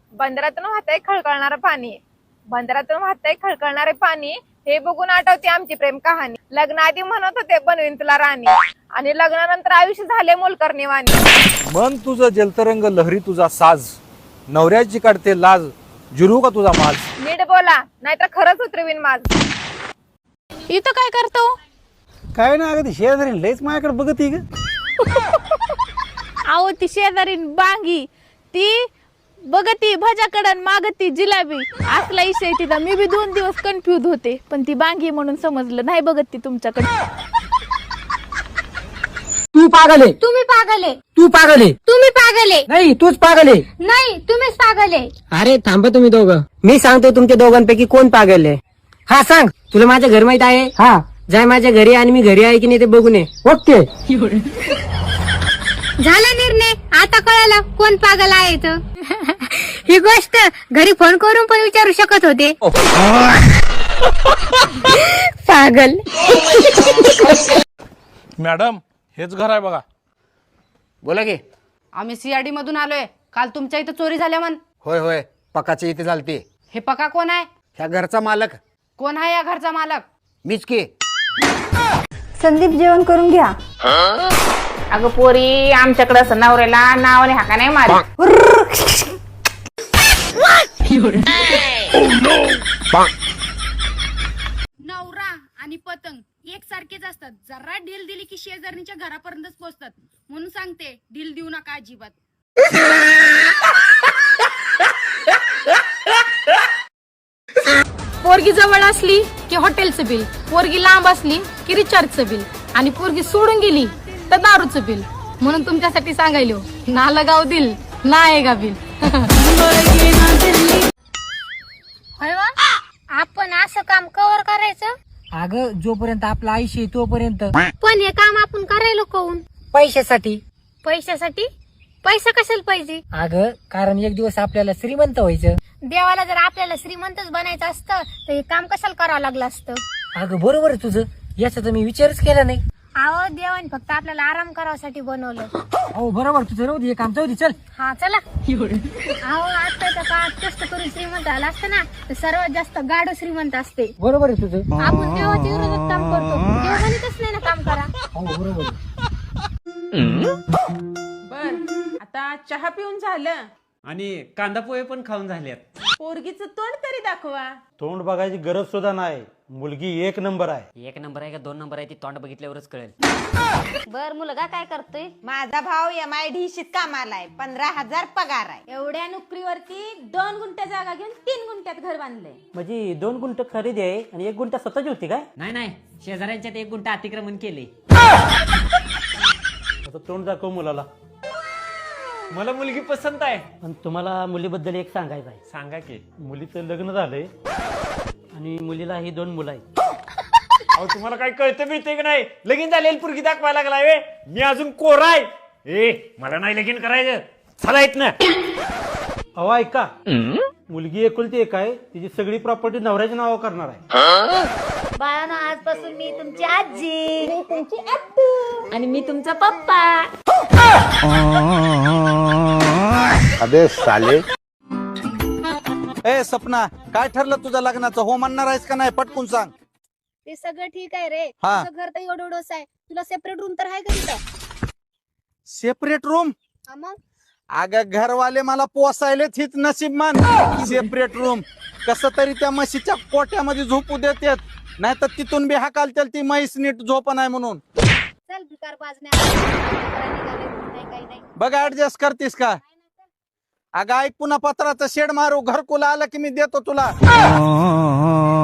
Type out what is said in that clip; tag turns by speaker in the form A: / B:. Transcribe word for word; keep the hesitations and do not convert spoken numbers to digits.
A: बंदरातून वाहतंय खळखळणारं पाणी, बंदरातून वाहतंय खळखळणारे पाणी, हे बघून आठवते आमची प्रेम कहाणी. लग्नाआधी म्हणत होते बनवीन तुला राणी, आणि लग्नानंतर आयुष्य झाले मोलकरणी वाणी.
B: मन तुझं जलतरंग लहरी तुझा साज, नवऱ्याची काढते लाज, जिरू का तुझा माज.
A: नीट बोला नाहीतर खरंच उतरवीन माझ.
C: इथं काय करतो?
D: काय ना अगदी शेजारी लयच माझ्याकडे बघत ग.
C: आहो ती शेजारी बांगी, ती बघती भजाकडन मागती जिलाबी, असला इशय तिचा. मी बी दोन दिवस कन्फ्युज होते, पण ती बांगी म्हणून समजलं. नाही बघत ती तुमच्याकडे.
E: तू पागल आहे,
F: तुम्ही पागल आहे,
E: तू पागल आहे.
F: तुम्ही पागल आहे,
E: नाही तूच पागल आहे.
F: नाही तुम्हीच पागल आहे.
E: अरे थांबा तुम्ही दोघं, मी सांगतो तुमच्या दोघांपैकी कोण पागल आहे. हा सांग, तुला माझं घर माहित आहे? हा, जाय माझ्या घरी आणि मी घरी आहे की नाही ते बघून ये. ओके.
F: झाला निर्णय, आता कळालं कोण पागल आहे तर. ही गोष्ट घरी फोन करून पण विचारू शकत होते. पागल.
G: मॅडम हेच घर आहे बघा.
H: बोला की.
I: आम्ही सीआरडी मधून आलोय. काल तुमच्या इथं चोरी झाल्या म्हण.
H: होय होय, पकाच्या इथे झालती.
I: हे पका कोण आहे?
H: ह्या घरचा मालक.
I: कोण आहे या घरचा मालक?
H: मीच की.
F: संदीप जेवण करून घ्या.
A: अगं पोरी, आमच्याकडे असं नवऱ्याला नावाने हाका नाही मार.
J: नवरा आणि पतंग एकसारखेच असतात. जरा ढील दिली की शेजारणीच्या घरापर्यंतच पोहोचतात. म्हणून सांगते, ढील देऊ नका अजिबात.
C: पोरगी जवळ असली की हॉटेलचं बिल, पोरगी लांब असली की रिचार्जचं बिल, आणि पोरगी सोडून गेली तर दारूचं बिल. म्हणून तुमच्यासाठी सांगायलो, ना लगाव दिल ना आएगा बिल.
F: आपण असं काम कवर करायचं,
E: अगं जोपर्यंत आपलं आयुष्य आहे तोपर्यंत.
F: पण हे काम आपण करायला कोण?
E: पैशासाठी.
F: पैशासाठी? पैसा कशाला पाहिजे?
E: अगं कारण एक दिवस आपल्याला श्रीमंत व्हायचं.
F: देवाला जर आपल्याला श्रीमंतच बनायचं असतं तर हे काम कशाला करावं लागलं असतं?
E: अगं बरोबर आहे तुझं, याचा तर मी विचारच केला नाही.
F: अहो देवाने फक्त आपल्याला आराम करावासाठी बनवलं.
E: हो बरोबर तुझं, राहू दे काम, जाऊ दे चल.
F: हा चला. अहो आजच्या काळात कष्ट करून श्रीमंत झाला असतं ना तर सर्वात जास्त गाढ श्रीमंत असते.
E: बरोबर आहे तुझं.
F: आपण देवाच्या विरोधात काम करतो, देव म्हणतच नाही ना काम करा.
E: हो बरोबर.
A: बर, आता चहा पिऊन झालं
D: आणि कांदा पोहे पण खाऊन झाल्यात.
A: पोरगीचं तोंड तरी दाखवा.
D: तोंड बघायची गरज सुद्धा नाही, मुलगी एक नंबर आहे.
H: एक नंबर आहे का दोन नंबर आहे ती तोंड बघितल्यावरच कळेल.
F: बर मुलगा काय करतोय?
A: माझा भाऊ एम आय डी शीत कामाला आहे, पंधरा हजार पगार आहे. एवढ्या नोकरीवरती दोन गुंठ्या जागा घेऊन तीन गुंठ्यात घर बांधलंय.
E: म्हणजे दोन गुंठ खरेदी आहे आणि एक गुंठ स्वतःची होती काय?
H: नाही नाही, शेजाऱ्यांच्यात एक गुंठा अतिक्रमण केले.
D: आता तोंड दाखव मुलाला. मला मुलगी पसंत आहे.
E: आणि तुम्हाला मुलीबद्दल एक सांगायचं आहे.
D: सांगा की. मुलीचं लग्न झालंय
E: आणि मुलीला ही दोन मुलं आहेत.
G: अहो तुम्हाला काय कळतं मिळते की नाही? लगीन झालेली पुरगी दाखवायला लागलाय वे. मी अजून कोरा आहे. ए मला नाही लगीन करायचं, चला येत ना.
D: अहो ऐका, मुलगी एकुलती एक आहे, तिची सगळी प्रॉपर्टी नवऱ्याच्या नावावर करणार आहे.
F: बाळानो आजपासून मी तुमची आजी,
C: मी तुमची आत्तू, आणि मी तुमचा पप्पा.
B: अबे साले. ए सपना, काय ठरलं तुझं लग्नाचं? हो म्हणणार आहेस का नाही? पटकून सांग.
F: ते सगळं ठीक आहे रे.
B: हा.
F: तुझं घर तर एवढं एवढंच आहे, तुला सेपरेट रूम तर आहे का तिथं?
B: Separate room?
F: हा मग
B: अगं घरवाले मला पोसायलेच हीच नशीब मान. सेपरेट रूम कस तरी त्या म्हशीच्या कोट्यामध्ये झोपू देतात, नाही तर तिथून बी हाकालतील ती म्हैस नीट झोप नाही म्हणून.
F: चल भिकार बाजण्या नाही काही नाही.
B: बघ ऍडजस्ट करतीस का? अगं ऐक, पुन्हा पत्राचं शेड मारू, घरकुला आलं की मी देतो तुला.